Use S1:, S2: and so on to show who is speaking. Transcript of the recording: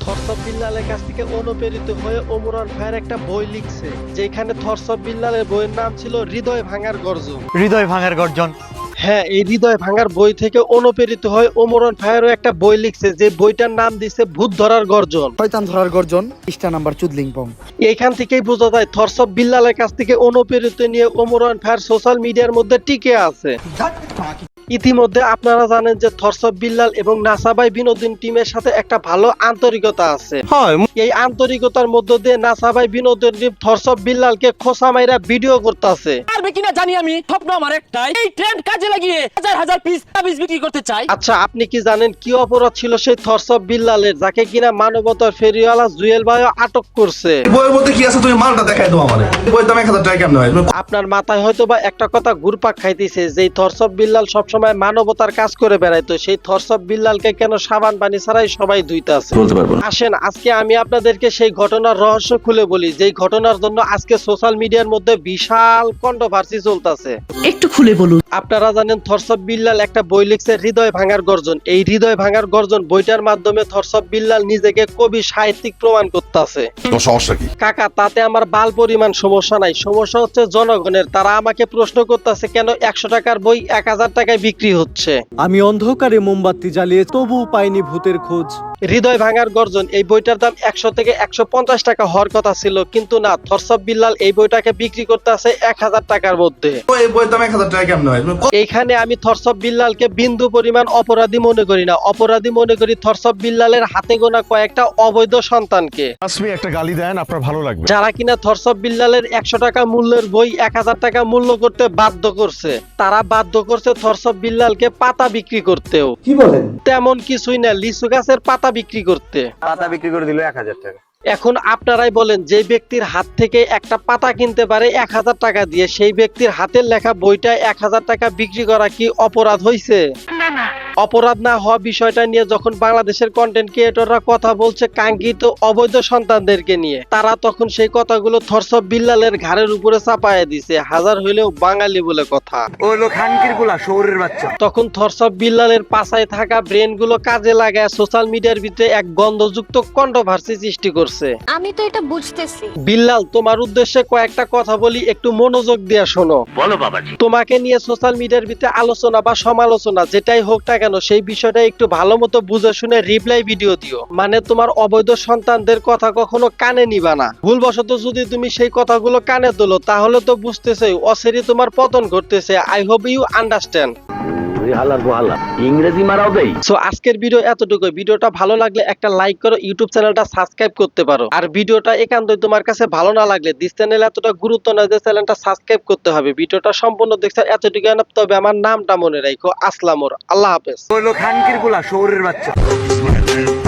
S1: থরসব বিল্লালের কাছ থেকে অনুপ্রেরিত হয়ে ওমরান ভাইয়ের একটা বই লিখছে, যেখানে থরসব বিল্লালের বইয়ের নাম ছিল হৃদয় ভাঙার গর্জন।
S2: হৃদয় ভাঙার গর্জন।
S1: হ্যাঁ, এই হৃদয় ভাঙার বই থেকে অনুপ্রেরিত হয়ে ওমরান ভাইয়েরও একটা বই লিখছে, যে বইটার নাম দিছে ভূত ধরার গর্জন,
S3: শয়তান ধরার গর্জন, পৃষ্ঠা নাম্বার চুদলিংপং।
S1: এইখান থেকেই বোঝা যায় থরসব বিল্লালের কাছ থেকে অনুপ্রেরিত নিয়ে ওমরান ভাইয়ের সোশ্যাল মিডিয়ার মধ্যে টিকে আছে। ইতিমধ্যে আপনারা জানেন যে থরসব বিল্লাল এবং নাসাবাই বিনোদন টিমের সাথে একটা ভালো আন্তরিকতা আছে। এই আন্তরিকতার মধ্য দিয়ে নাসাবাই বিনোদন টিম থরসব বিল্লালকে খোসা মাইরা ভিডিও করতেছে।
S4: পারবে কিনা জানি আমি, স্বপ্ন আমার একটাই, এই ট্রেন্ড কাজে লাগিয়ে হাজার হাজার পিস তাবিজ বিক্রি করতে চাই।
S1: আচ্ছা, আপনি কি জানেন কি অপরাধ ছিল সেই থরসব বিল্লালের, যাকে কিনা মানবতার ফেরিওয়ালা জুয়েল ভাই আটক করছে?
S5: বইয়ের মধ্যে কি আছে তুমি মালটা দেখাই দাও আমারে। বইয়ের দাম 1000 টাকা কেমনে হয়?
S1: আপনার মাথায় হয়তো বা একটা কথা ঘুরপাক খাইতেছে, যে থরসব বিল্লাল সবসময় মানবতার কাজ করে বেড়াইতো, সেই থরসব বিল্লালকে কেন সাবান পানি ছাড়াই সবাই ধুইতাছে?
S5: বলতে পারবো না।
S1: আসেন আজকে আমি আপনাদেরকে সেই ঘটনার রহস্য খুলে বলি, যেই ঘটনার জন্য আজকে সোশ্যাল মিডিয়ার মধ্যে বিশাল কন্ট্রোভার্সি চলতেছে।
S4: একটু খুলে বলুন।
S1: আপনারা জানেন থরসব বিল্লাল একটা বই লিখছে হৃদয় ভাঙার গর্জন। এই হৃদয় ভাঙার গর্জন বইটার মাধ্যমে থরসব বিল্লাল নিজেকে কবি সাহিত্যিক প্রমাণ করতেছে।
S5: তোমার সমস্যা কি?
S1: কাকা, তাতে আমার বাল পরিমাণ সমস্যা নাই, সমস্যা হচ্ছে জনগণের। তারা আমাকে প্রশ্ন করতেছে কেন 100 টাকার বই 1000 টাকায় বিক্রি হচ্ছে।
S6: আমি অন্ধকারে মোমবাতি জ্বালিয়ে তবু পাইনি ভূতের খোঁজ।
S1: হৃদয় ভাঙার গর্জন এই বইটার দাম 100 থেকে 150 টাকা হওয়ার কথা ছিল, কিন্তু না, থরসব বিল্লাল এই বইটাকে বিক্রি করতেছে 1000 টাকার মধ্যে।
S5: এই বইয়ের দাম 1000 টাকা কেমনে হয়?
S1: এইখানে আমি থরসব বিল্লালকে বিন্দু পরিমাণ অপরাধী মনে করি না। অপরাধী মনে করি থরসব বিল্লালের হাতে গোনা কয়েকটা অবৈধ সন্তানকে,
S7: আসবে একটা গালি দেন, আপনার ভালো লাগবে।
S1: যারা কিনা থরসব বিল্লালের 100 টাকা মূল্যের বই 1000 টাকা মূল্য করতে বাধ্য করছে। তারা বাধ্য করছে থরসব বিল্লালকে পাতা বিক্রি করতেও।
S3: কি বলেন?
S1: তেমন কিছুই না, লিচু গাছের পাতা বিক্রি করতে।
S2: পাতা বিক্রি করে দিল 1000 টাকা।
S1: এখন আপনারাই বলেন, যে ব্যক্তির হাত থেকে একটা পাতা কিনতে পারে 1000 টাকা দিয়ে, সেই ব্যক্তির হাতের লেখা বইটা 1000 টাকা বিক্রি করা কি অপরাধ হইছে? অপরাধ না হওয়া বিষয়টা নিয়ে যখন বাংলাদেশের কন্টেন্ট ক্রিয়েটররা কথা বলছে কাঙ্ক্ষিত অবৈধ সন্তানদেরকে নিয়ে, তারা তখন সেই কথাগুলো থরসব বিল্লালের ঘাড়ের উপরে চাপায়া দিছে। হাজার হইলেও বাঙালি বলে কথা।
S2: ওই লোক খানকির গুলা শহরের বাচ্চা।
S1: তখন থরসব বিল্লালের পাছায় থাকা ব্রেন গুলো কাজে লাগায় সোশ্যাল মিডিয়ার ভিতরে এক গন্ধযুক্ত কন্ট্রোভার্সি সৃষ্টি করছে।
S8: আমি তো এটা বুঝতেছি।
S1: বিল্লাল, তোমার উদ্দেশ্যে কয়েকটা কথা বলি, একটু মনোযোগ দিয়ে শোনো।
S2: বলো বাবাজি।
S1: তোমাকে নিয়ে সোশ্যাল মিডিয়ার ভিতরে আলোচনা বা সমালোচনা যেটাই হোক না কেন, সেই বিষয়টা একটু ভালো মতো বুঝে শুনে রিপ্লাই ভিডিও দিও। মানে তোমার অবৈধ সন্তানদের কথা কখনো কানে নিবা না। ভুলবশত যদি তুমি সেই কথাগুলো কানে তোলো, তাহলে তো বুঝতেছে অসেরি তোমার পতন ঘটতেছে। I hope you understand.
S2: ইংরেজি মারাও দেই।
S1: সো আজকের ভিডিও এতটুকু। ভিডিওটা ভালো লাগলে একটা লাইক করো, ইউটিউব চ্যানেলটা সাবস্ক্রাইব করতে পারো। আর ভিডিওটা একান্তই তোমার কাছে ভালো না লাগলে, দিস চ্যানেল এতটা গুরুত্ব না যে চ্যানেলটা সাবস্ক্রাইব করতে হবে। ভিডিওটা সম্পূর্ণ দেখছো এতটুকু না, তবে আমার নামটা মনে রাখো, আসলামর। আল্লাহ হাফেজ।
S2: ওই লোক খানকির গুলা শহরের বাচ্চা।